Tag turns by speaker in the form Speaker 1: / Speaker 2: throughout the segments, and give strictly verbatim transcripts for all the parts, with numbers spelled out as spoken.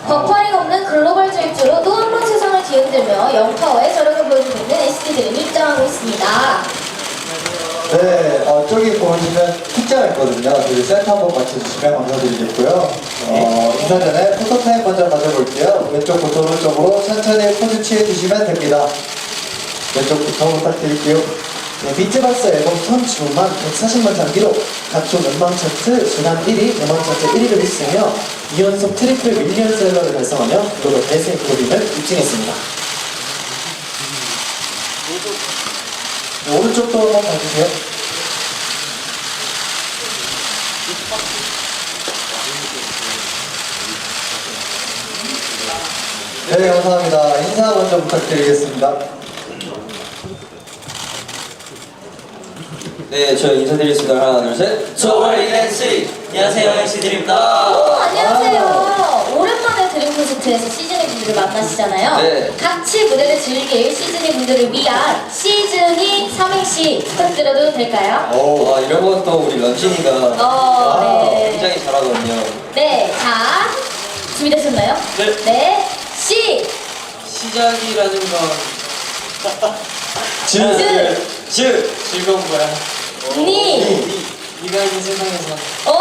Speaker 1: 버퍼링 없는 글로벌 질주로 또 한 번 세상을 뒤흔들며 영파워의 저력을 보여주고 있는 에스티드림이 입장하고 있습니다.
Speaker 2: 네, 어, 저기 보시면 숫자가 있거든요. 저기 센터 한번 맞춰주시면 감사드리겠고요. 어, 인사 전에 포토타임 먼저 가져볼게요. 왼쪽부터 오른쪽으로 천천히 포즈 취해주시면 됩니다. 왼쪽부터 부탁드릴게요. 네, 비트박스 앨범 선 주만 백사십만 장 기록, 각종 음반 차트 주간 일 위, 음원 차트 일 위를 휩쓰며 이 연속 트리플 밀리언셀러를 달성하며 글로벌 대세 그룹임을 입증했습니다. 네, 오른쪽도 한번 봐주세요. 네, 감사합니다. 인사 먼저 부탁드리겠습니다.
Speaker 3: 네, 저 인사드리겠습니다. 하나, 둘, 셋. 저월리 댄스! 안녕하세요, 엔시드림입니다.
Speaker 1: 오, 안녕하세요. 오랜만에 드림 콘서트에서 시즈니 분들을 만나시잖아요.
Speaker 3: 네.
Speaker 1: 같이 무대를 즐길 시즈니 분들을 위한 시즈니 삼행시 부탁드려도 될까요?
Speaker 3: 오, 와, 이런 것도 우리 런쥔이가
Speaker 1: 어, 네.
Speaker 3: 굉장히 잘하거든요.
Speaker 1: 네, 자, 준비되셨나요?
Speaker 3: 네.
Speaker 1: 네, 시!
Speaker 3: 시작이라는 건
Speaker 2: 즈,
Speaker 1: 즈,
Speaker 3: 즈! 즐거운 거야.
Speaker 1: 니,
Speaker 3: 네가 있는 세상에서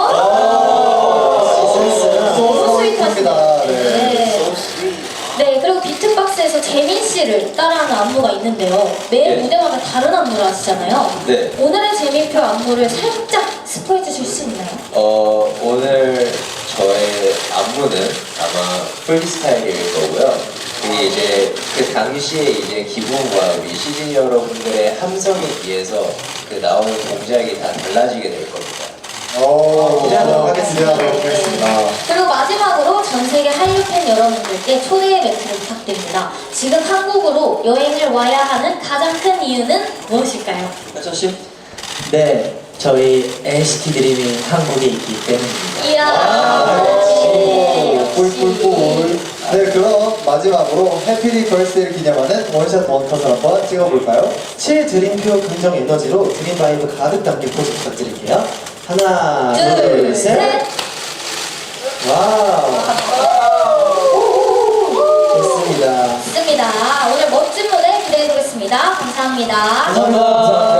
Speaker 1: 어?
Speaker 2: 센스는
Speaker 1: 너무 스윗하시네요.
Speaker 2: 네.
Speaker 1: 네. 네, 그리고 비트박스에서 재민 씨를 따라하는 안무가 있는데요. 매
Speaker 3: 네.
Speaker 1: 무대마다 다른 안무를 하시잖아요.
Speaker 3: 네.
Speaker 1: 오늘의 재민표 안무를 살짝 스포해 주실 수 있나요?
Speaker 3: 어, 오늘 저의 안무는 아마 프리스타일일 거고요. 이게 이제 그 당시에 이제 기분과 우리 시즈니 여러분들의 함성에 비해서 그 나오는 동작이 다 달라지게 될 겁니다.
Speaker 2: 오, 기대하도록 하겠습니다. 네, 고맙습니다.
Speaker 1: 그리고 마지막으로 전 세계 한류 팬 여러분들께 초대의 멘트를 부탁드립니다. 지금 한국으로 여행을 와야 하는 가장 큰 이유는 무엇일까요?
Speaker 3: 하철 씨?
Speaker 4: 네, 저희 엔시티 드림이 한국에 있기 때문입니다.
Speaker 1: 이야,
Speaker 2: 아,
Speaker 1: 역시,
Speaker 2: 역시. 꿀꿀꿀. 네, 그럼 마지막으로 해피리 벌스데이를 기념하는 원샷 원컷을 한번 찍어볼까요? 칠 드림표 긍정 에너지로 드림 바이브 가득 담긴 포즈 부탁드릴게요. 하나,
Speaker 1: 둘,
Speaker 2: 둘,
Speaker 1: 셋.
Speaker 2: 셋. 와우. 좋습니다.
Speaker 1: 좋습니다. 오늘 멋진 무대 기대해 보겠습니다. 감사합니다.
Speaker 2: 감사합니다.